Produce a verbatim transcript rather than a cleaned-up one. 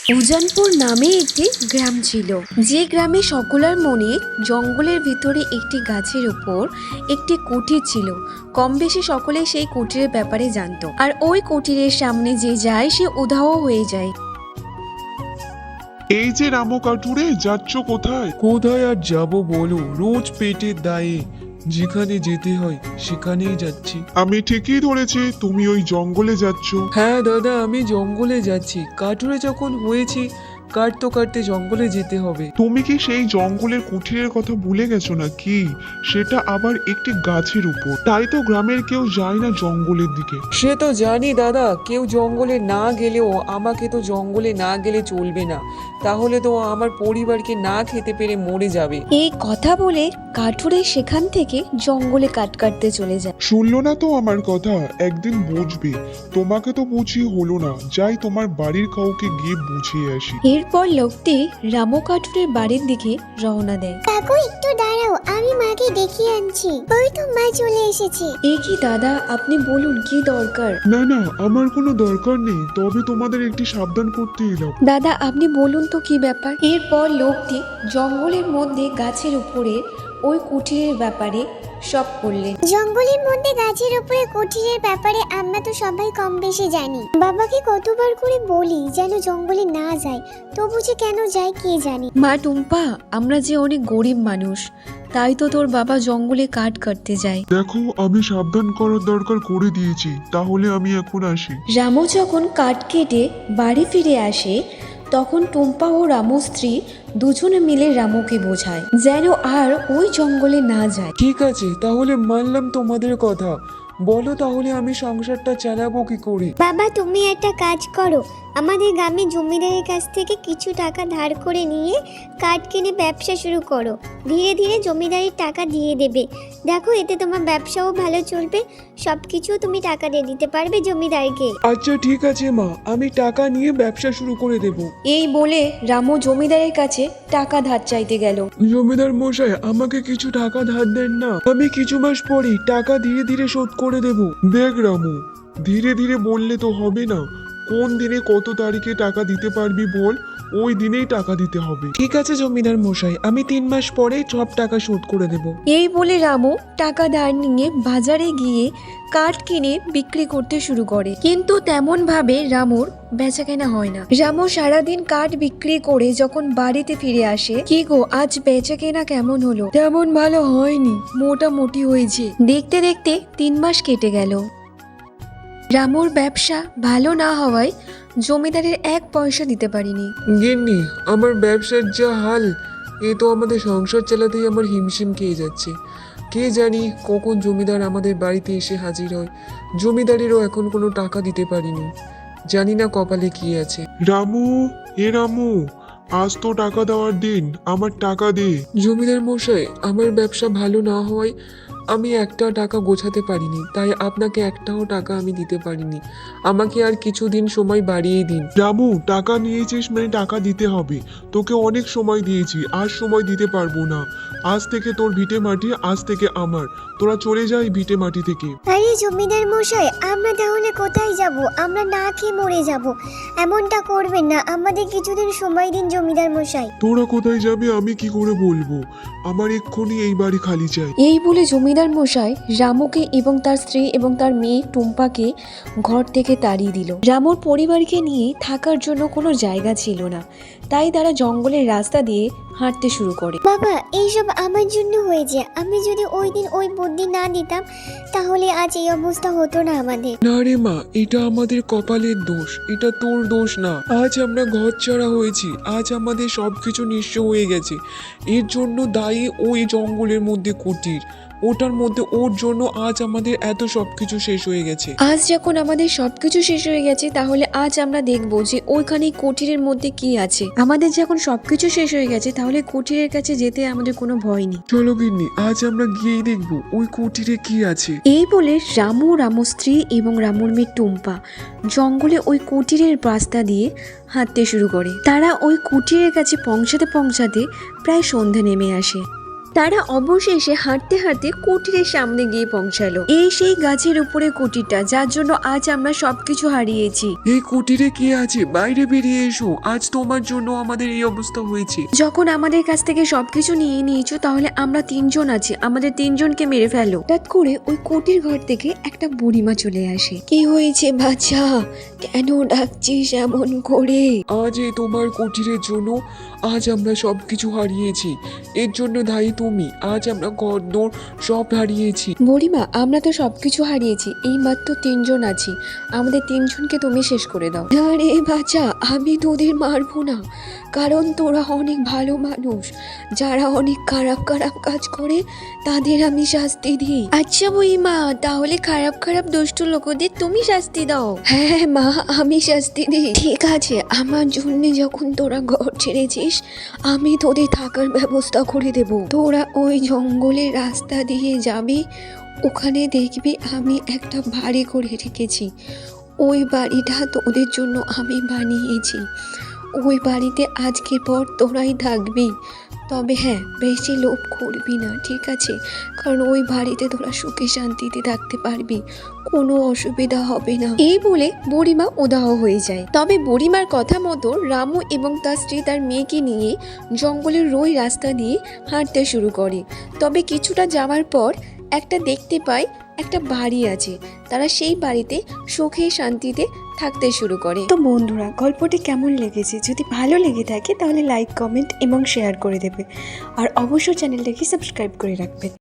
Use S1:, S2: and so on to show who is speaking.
S1: উজানপুর নামে একটি গ্রাম ছিল, যে গ্রামে সকলের মনে জঙ্গলের ভিতরে একটি গাছের উপর একটি কুটির ছিল। কম বেশি সকলে সেই কুটিরের ব্যাপারে জানতো, আর ওই কুটিরের সামনে যে যায় সে উধাও হয়ে যায়।
S2: এই যে রামু কাঠুরে, যাচ্ছ কোথায়?
S3: কোথায় আর যাব বলো, রোজ পেটের দায়ে যেখানে যেতে হয় সেখানেই যাচ্ছি।
S2: আমি ঠিকই ধরেছি, তুমি ওই জঙ্গলে যাচ্ছ।
S3: হ্যাঁ দাদা, আমি জঙ্গলে যাচ্ছি। কাঠুরে যখন হয়েছি, কাটতে কাটতে জঙ্গলে যেতে হবে।
S2: তুমি কি সেই জঙ্গলের কুঠিরের কথা ভুলে গেছো না কি? সেটা আবার একটি গাছের উপর, তাই তো গ্রামের কেউ যায় না জঙ্গলের দিকে।
S3: সে তো জানি দাদা, কেউ জঙ্গলে না গেলেও আমাকে তো জঙ্গলে না গেলে চলবে না, তাহলে তো আমার পরিবারকে না খেতে পেরে মরে যাবে।
S1: এই কথা বলে কাঠুরে সেখান থেকে জঙ্গলে কাঠ কাটতে চলে যায়।
S2: শুনলো না তো আমার কথা, একদিন বুঝবে। তোমাকে তো বুঝিয়ে হলো না, যাই তোমার বাড়ির কাউকে গিয়ে বুঝিয়ে আসি।
S1: এরপর লোকটি রামু কাঠুরের বাড়ির দিকে রওনা দেয়।
S4: কাকু একটু দাঁড়াও, আমি মাকে দেখিয়ে আনছি। ওই তো মা চলে এসেছে।
S1: এ কি দাদা, আপনি বলুন কি দরকার?
S2: না না, আমার কোনো দরকার নেই, তবে তোমাদের একটি সাবধান করতে এলাম।
S1: দাদা আপনি বলুন তো কি ব্যাপার? এরপর লোকটি জঙ্গলের মধ্যে গাছের উপরে ওই কুটিরের ব্যাপারে সব বললেন।
S4: জঙ্গলের মধ্যে গাছের উপরে কুঠিরের ব্যাপারে আমরা তো সবাই কম বেশি জানি। বাবাকে কতবার করে বলি যেন জঙ্গলে না যায়, তবু যে কেন যায় কে জানি।
S1: মা টুম্পা, আমরা যে অনেক গরিব মানুষ, তাই তো তোর বাবা জঙ্গলে কাঠ কাটতে যায়।
S2: দেখো, আমি সাবধান করার দরকার করে দিয়েছি, তাহলে আমি এখন আসি।
S1: রামু যখন কাঠ কেটে বাড়ি ফিরে আসে, তখন টুম্পা ও রামু স্ত্রী দুজনে মিলে রামুকে বোঝায় যেন আর ওই জঙ্গলে না যায়।
S3: ঠিক আছে, তাহলে মানলাম তোমাদের কথা। বলো তাহলে আমি সংসারটা চালাবো কি করে?
S4: বাবা তুমি একটা কাজ করো, আমাদের গ্রামে জমিদারের কাছ থেকে কিছু টাকা ধার করে নিয়ে কাঠ কিনে ব্যবসা শুরু করো। ধীরে ধীরে জমিদারের টাকা দিয়ে দেবে। দেখো এতে তোমার ব্যবসাও ভালো চলবে, সব কিছু তুমি টাকা দিয়ে দিতে পারবে জমিদারকে।
S3: আচ্ছা ঠিক আছে মা, আমি টাকা নিয়ে ব্যবসা শুরু করে দেব।
S1: এই বলে রামু জমিদারের কাছে টাকা ধার চাইতে গেল।
S3: জমিদার মশাই, আমাকে কিছু টাকা ধার দেন না, আমি কিছু মাস পরেই টাকা ধীরে ধীরে শোধ করে দেব।
S2: দেখ রামু, ধীরে ধীরে বললে তো হবে না। কোন দিনে কত তারিখে টাকা দিতে পারবি বল, ওই দিনেই টাকা দিতে হবে।
S3: ঠিক আছে জমিদার মশাই, আমি তিন মাস পরেই সব টাকা শোধ করে দেব।
S1: এই বলে রামু টাকা ধার নিয়ে বাজারে গিয়ে কাঠ কিনে বিক্রি করতে শুরু করে, কিন্তু তেমন ভাবে রামুর বেচাকেনা হয় না। রামু সারাদিন কাঠ বিক্রি করে যখন বাড়িতে ফিরে আসে, কি গো আজ বেচাকেনা কেমন হলো?
S3: তেমন ভালো হয়নি, মোটামুটি হয়েছে।
S1: দেখতে দেখতে তিন মাস কেটে গেল। রামুর ব্যবসা ভালো না হওয়ায় জমিদারের এক পয়সা দিতে পারিনি।
S3: গিন্নি, আমার ব্যবসার যা হাল, এ তো আমাদের সংসার চালাতেই আমার হিমশিম খেয়ে যাচ্ছে। কে জানি কখন জমিদার আমাদের বাড়িতে এসে হাজির হয়। জমিদারেরও এখন কোনো টাকা দিতে পারিনি, জানি না কপালে কি আছে।
S2: রামু, এ রামু, আজ তো টাকা দেওয়ার দিন, আমার টাকা দে।
S3: জমিদার মশাই, আমার ব্যবসা ভালো না হওয়ায় আমি একটা টাকা গোছাতে পারিনি, তাই আপনাকে একটাও টাকা আমি দিতে পারিনি। আমাকে আর কিছুদিন সময় বাড়িয়ে দিন।
S2: রামু, টাকা নিয়েছিস মানে টাকা দিতে হবে। তোকে অনেক সময় দিয়েছি, আজ সময় দিতে পারবো না। আজ থেকে তোর ভিটে মাটি, আজ থেকে আমার। তোরা চলে যাই ভিটে মাটি থেকে।
S4: আরে জমিদার মশাই, আমরা তাহলে কোথায় যাব? আমরা না খেয়ে মরে যাব। এমনটা করবেন না, আমাদের কিছুদিন সময় দিন জমিদার মশাই।
S2: তোরা কোথায় যাবে আমি কি করে বলবো? আমার এক্ষুনি এই বাড়ি খালি চাই।
S1: এই বলে জমিদার মশাই রামুকে এবং তার স্ত্রী এবং তার মেয়ে টুম্পাকে ঘর থেকে তাড়িয়ে দিল। রামুর পরিবারকে নিয়ে থাকার জন্য কোনো জায়গা ছিল না, তাই তারা জঙ্গলের রাস্তা দিয়ে হাঁটতে শুরু করে।
S4: বাবা এইসব আমার জন্য হয়েছে। আমি যদি ওই দিন ওই বুদ্ধি না দিতাম, তাহলে আজ এই অবস্থা হতো না আমাদের।
S3: না রে মা, এটা আমাদের কপালের দোষ, এটা তোর দোষ না। আজ আমরা ঘর ছাড়া হয়েছি, আজ আমাদের সবকিছু নিঃস্ব হয়ে গেছে। এর জন্য দায়ী ওই জঙ্গলের মধ্যে কুটির, ওটার মধ্যে ওর জন্য আজ আমাদের এত সবকিছু শেষ হয়ে গেছে।
S1: আজ যখন আমাদের সবকিছু শেষ হয়ে গেছে, তাহলে আজ আমরা দেখবো যে ওইখানে কুটিরের মধ্যে কি আছে। আমাদের যখন সবকিছু শেষ হয়ে গেছে, তাহলে কুটিরের কাছে যেতে আমাদের কোনো ভয় নেই।
S3: চলো গিন্নি, আজ আমরা গিয়েই দেখবো ওই কুটিরে কি আছে।
S1: এই বলে রামু, রামু স্ত্রী এবং রামুর মেয়ে টুম্পা জঙ্গলে ওই কুটিরের রাস্তা দিয়ে হাঁটতে শুরু করে। তারা ওই কুটিরের কাছে পৌঁছাতে পৌঁছাতে প্রায় সন্ধে নেমে আসে। তারা অবশেষে হাঁটতে হাঁটতে কুটিরের সামনে গিয়ে পৌঁছালো। এই সেই গাছের উপরে কুটিরটা, যার জন্য আজ আমরা সবকিছু হারিয়েছি।
S3: এই কুটিরে কে আছে? বাইরে বেরিয়ে এসো, আজ তোমার জন্য আমাদের এই অবস্থা হয়েছে।
S1: যখন আমাদের কাছ থেকে সবকিছু নিয়ে নিয়েছো, তাহলে আমরা তিনজন আছি, আমাদের তিনজনকে মেরে ফেলো। হঠাৎ করে ওই কুটির ঘর থেকে একটা বুড়িমা চলে আসে। কি হয়েছে বাচ্চা, কেন ডাকছিস এমন করে?
S3: আজ এই তোমার কুটিরের জন্য আজ আমরা সব কিছু হারিয়েছি। এর জন্য দায়ী তুমি। আজ আমরা ঘর দৌড় সব হারিয়েছি।
S1: বুড়িমা, আমরা তো সবকিছু হারিয়েছি, এই মাত্র তিনজন আছি, আমাদের তিনজনকে তুমি শেষ করে দাও। না রে বাচ্চা, আমি তোদের মারবো না, কারণ তোরা অনেক ভালো মানুষ। যারা অনেক খারাপ খারাপ কাজ করে তাদের আমি শাস্তি দিই। আচ্ছা বুড়িমা, তাহলে খারাপ খারাপ দুষ্ট লোকদের তুমি শাস্তি দাও। হ্যাঁ মা, আমি শাস্তি দিই। ঠিক আছে, আমার জন্য যখন তোরা ঘর ছেড়েছিস, আমি তোদের থাকার ব্যবস্থা করে দেব। তোরা ওই জঙ্গলের রাস্তা দিয়ে যাবি, ওখানে দেখবি আমি একটা বাড়ি করে রেখেছি। ওই বাড়িটা তোদের জন্য আমি বানিয়েছি। ওই বাড়িতে আজকের পর তোরাই থাকবি। তবে হ্যাঁ, বেশি লোভ করবি না, ঠিক আছে? কারণ ওই বাড়িতে তোরা সুখে শান্তিতে থাকতে পারবি, কোনো অসুবিধা হবে না। এই বলে বুড়িমা উদাহ হয়ে যায়। তবে বুড়িমার কথা মতো রামু এবং তার স্ত্রী তার মেয়েকে নিয়ে জঙ্গলের ওই রাস্তা দিয়ে হাঁটতে শুরু করে। তবে কিছুটা যাওয়ার পর একটা দেখতে পায় একটা বাড়ি আছে। তারা সেই বাড়িতে সুখে শান্তিতে থাকতে শুরু করে। তো বন্ধুরা, গল্পটি কেমন লেগেছে? যদি ভালো লেগে থাকে তাহলে লাইক, কমেন্ট এবং শেয়ার করে দেবে। আর অবশ্যই চ্যানেলটাকে সাবস্ক্রাইব করে রাখবেন।